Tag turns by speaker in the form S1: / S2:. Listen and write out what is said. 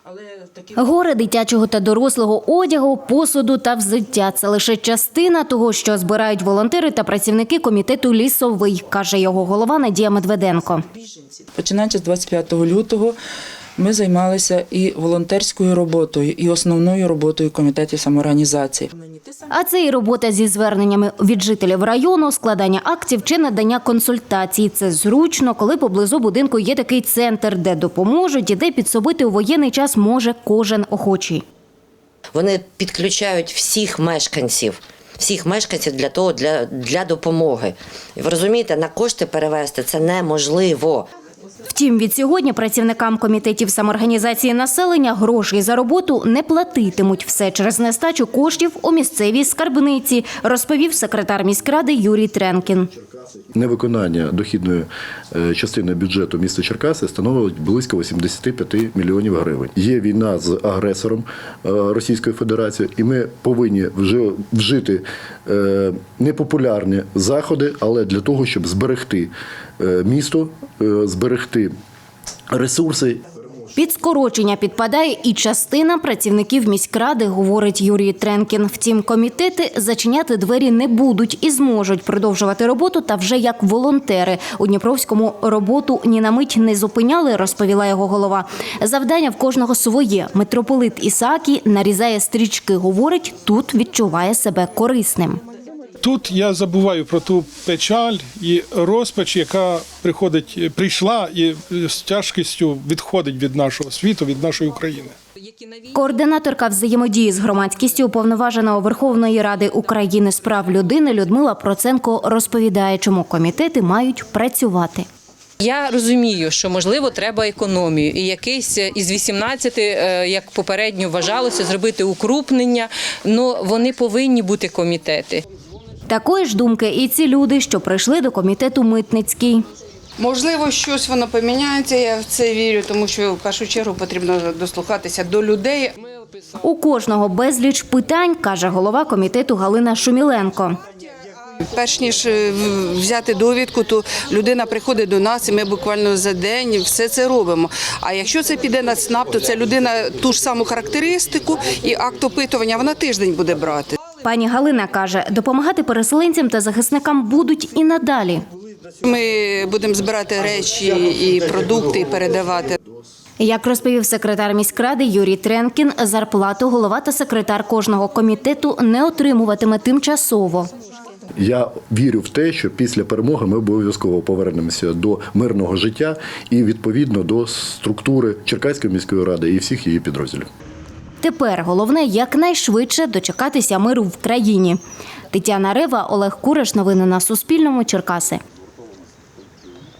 S1: Гори дитячого та дорослого одягу, посуду та взуття – це лише частина того, що збирають волонтери та працівники комітету «Лісовий», каже його голова Надія Медведенко.
S2: Починаючи з 25 лютого ми займалися і волонтерською роботою, і основною роботою комітетів самоорганізації.
S1: А це і робота зі зверненнями від жителів району, складання актів чи надання консультацій. Це зручно, коли поблизу будинку є такий центр, де допоможуть і де підсобити у воєнний час може кожен охочий.
S3: Вони підключають всіх мешканців для допомоги. І ви розумієте, на кошти перевести це неможливо.
S1: Втім, від сьогодні працівникам комітетів самоорганізації населення грошей за роботу не платитимуть. Все через нестачу коштів у місцевій скарбниці, розповів секретар міськради Юрій Тренкін.
S4: Невиконання дохідної частини бюджету міста Черкаси становить близько 85 мільйонів гривень. Є війна з агресором Російської Федерації, і ми повинні вжити непопулярні заходи, але для того, щоб зберегти місто, зберегти ресурси.
S1: Під скорочення підпадає і частина працівників міськради, говорить Юрій Тренкін. Втім, комітети зачиняти двері не будуть і зможуть продовжувати роботу та вже як волонтери. У Дніпровському роботу ні на мить не зупиняли, розповіла його голова. Завдання в кожного своє. Митрополит Ісаакій нарізає стрічки, говорить, тут відчуває себе корисним.
S5: Тут я забуваю про ту печаль і розпач, яка прийшла і з тяжкістю відходить від нашого світу, від нашої України.
S1: Координаторка взаємодії з громадськістю уповноваженого Верховної Ради України з прав людини Людмила Проценко розповідає, чому комітети мають працювати.
S6: Я розумію, що, можливо, треба економію. І якийсь із 18, як попередньо вважалося, зробити укрупнення, але вони повинні бути комітети.
S1: Такої ж думки і ці люди, що прийшли до комітету Митницький.
S7: Можливо, щось воно поміняється, я в це вірю, тому що в першу чергу потрібно дослухатися до людей.
S1: У кожного безліч питань, каже голова комітету Галина Шуміленко.
S7: Перш ніж взяти довідку, то людина приходить до нас, і ми буквально за день все це робимо. А якщо це піде на ЦНАП, то ця людина ту ж саму характеристику і акт опитування вона тиждень буде брати.
S1: Пані Галина каже, допомагати переселенцям та захисникам будуть і надалі.
S7: Ми будемо збирати речі і продукти і передавати.
S1: Як розповів секретар міськради Юрій Тренкін, зарплату голова та секретар кожного комітету не отримуватиме тимчасово.
S4: Я вірю в те, що після перемоги ми обов'язково повернемося до мирного життя і, відповідно, до структури Черкаської міської ради і всіх її підрозділів.
S1: Тепер головне якнайшвидше дочекатися миру в країні. Тетяна Рева, Олег Кураш. Новини на Суспільному. Черкаси.